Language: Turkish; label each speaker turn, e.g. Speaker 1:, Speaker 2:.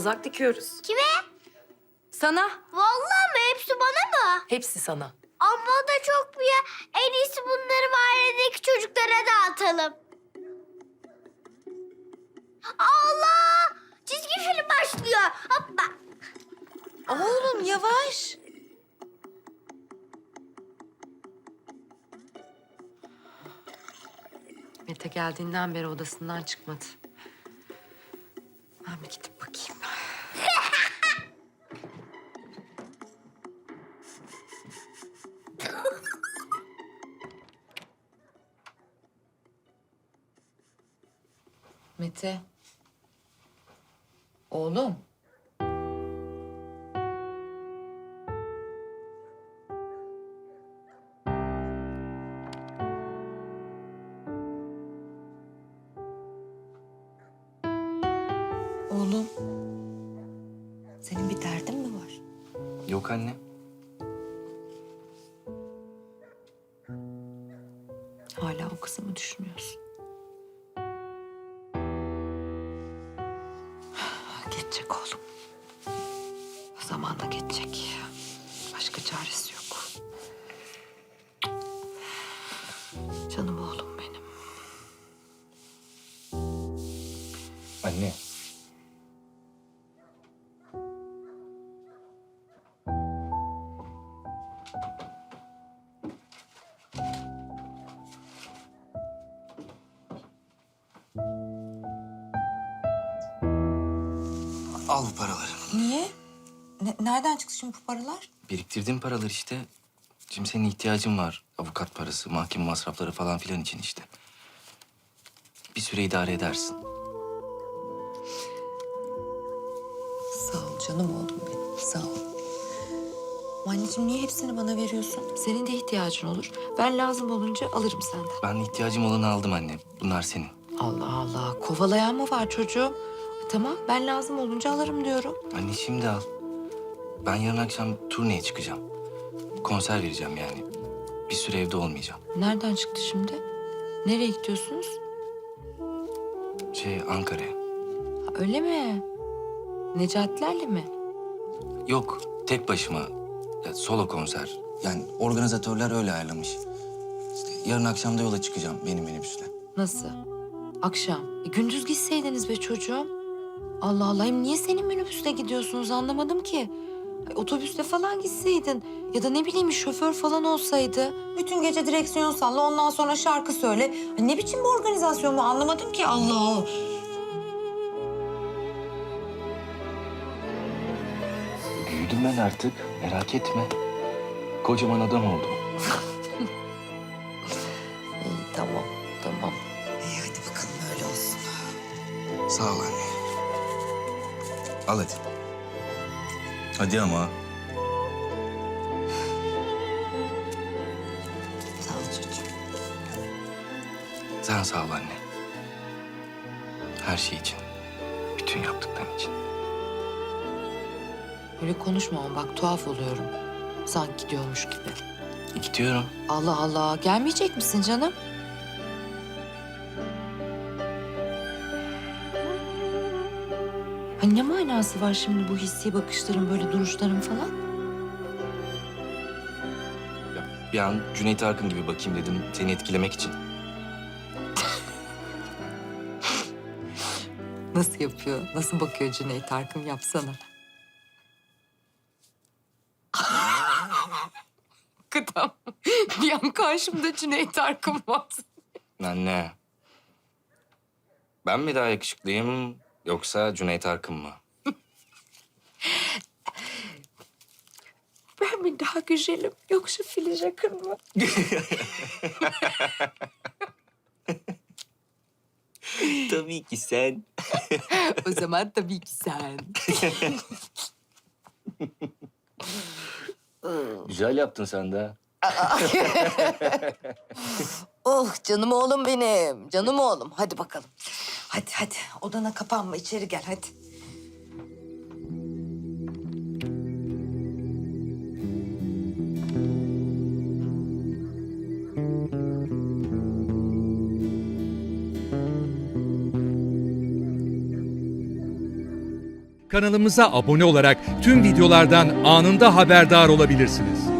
Speaker 1: kazak dikiyoruz.
Speaker 2: Kime?
Speaker 1: Sana.
Speaker 2: Vallahi mi? Hepsi bana mı?
Speaker 1: Hepsi sana.
Speaker 2: Ama o da çok bir ya. En iyisi bunları mahalledeki çocuklara dağıtalım. Allah! Çizgi film başlıyor. Hoppa.
Speaker 3: Oğlum yavaş.
Speaker 1: Mete geldiğinden beri odasından çıkmadı. Ben bir gidip bakayım.
Speaker 3: Mete. Oğlum. Oğlum. Senin bir derdin mi var?
Speaker 4: Yok anne.
Speaker 3: Hala o kızı mı düşünüyorsun? Geçecek oğlum. Zamanla geçecek. Başka çaresi yok. Canım oğlum benim.
Speaker 4: Anne. Al bu paraları.
Speaker 3: Niye? Nereden çıktı şimdi bu paralar?
Speaker 4: Biriktirdiğim paralar işte. Şimdi senin ihtiyacın var. Avukat parası, mahkeme masrafları falan filan için işte. Bir süre idare edersin.
Speaker 3: Sağ ol canım oğlum benim. Sağ ol. Anneciğim niye hepsini bana veriyorsun? Senin de ihtiyacın olur. Ben lazım olunca alırım senden.
Speaker 4: Ben ihtiyacım olanı aldım anne. Bunlar senin.
Speaker 3: Allah Allah. Kovalayan mı var çocuğum? Tamam ben lazım olunca alırım diyorum.
Speaker 4: Anne şimdi al. Ben yarın akşam turneye çıkacağım. Konser vereceğim yani. Bir süre evde olmayacağım.
Speaker 3: Nereden çıktı şimdi? Nereye gidiyorsunuz?
Speaker 4: Ankara'ya.
Speaker 3: Ha, öyle mi? Necatilerle mi?
Speaker 4: Yok, tek başıma. Ya, solo konser. Yani organizatörler öyle ayarlamış. İşte yarın akşam da yola çıkacağım benim minibüsle.
Speaker 3: Nasıl? Akşam. Gündüz gitseydiniz be çocuğum. Allah Allah. Hem niye senin minibüsle gidiyorsunuz anlamadım ki. Ay, otobüsle falan gitseydin. Ya da ne bileyim şoför falan olsaydı. Bütün gece direksiyon salla ondan sonra şarkı söyle. Ay, ne biçim bir organizasyon bu anlamadım ki Allah.
Speaker 4: Büyüdüm ben artık, merak etme. Kocaman adam oldum.
Speaker 3: İyi tamam tamam. İyi hadi bakalım öyle olsun.
Speaker 4: Sağ ol anne. Al hadi. Hadi ama.
Speaker 3: Sağ ol çocuğum.
Speaker 4: Sen sağ ol anne. Her şey için. Bütün yaptıkların için.
Speaker 3: Öyle konuşma ama bak tuhaf oluyorum. Sanki gidiyormuş gibi.
Speaker 4: Gidiyorum.
Speaker 3: Allah Allah. Gelmeyecek misin canım? Hani ne manası var şimdi bu hissi bakışların, böyle duruşların falan?
Speaker 4: Ya, bir an Cüneyt Arkın gibi bakayım dedim seni etkilemek için.
Speaker 3: Nasıl yapıyor? Nasıl bakıyor Cüneyt Arkın? Yapsana. Kıtam. Bir an karşımda Cüneyt Arkın var.
Speaker 4: Anne. Ben mi daha yakışıklıyım yoksa Cüneyt Arkın mı?
Speaker 3: Ben mi daha güzelim yoksa Filiz Akın mı?
Speaker 4: Tabii ki sen.
Speaker 3: O zaman tabii ki sen.
Speaker 4: Güzel yaptın sen de.
Speaker 3: Oh canım oğlum benim. Canım oğlum. Hadi bakalım. Hadi hadi. Odana kapanma. İçeri gel hadi.
Speaker 5: Kanalımıza abone olarak tüm videolardan anında haberdar olabilirsiniz.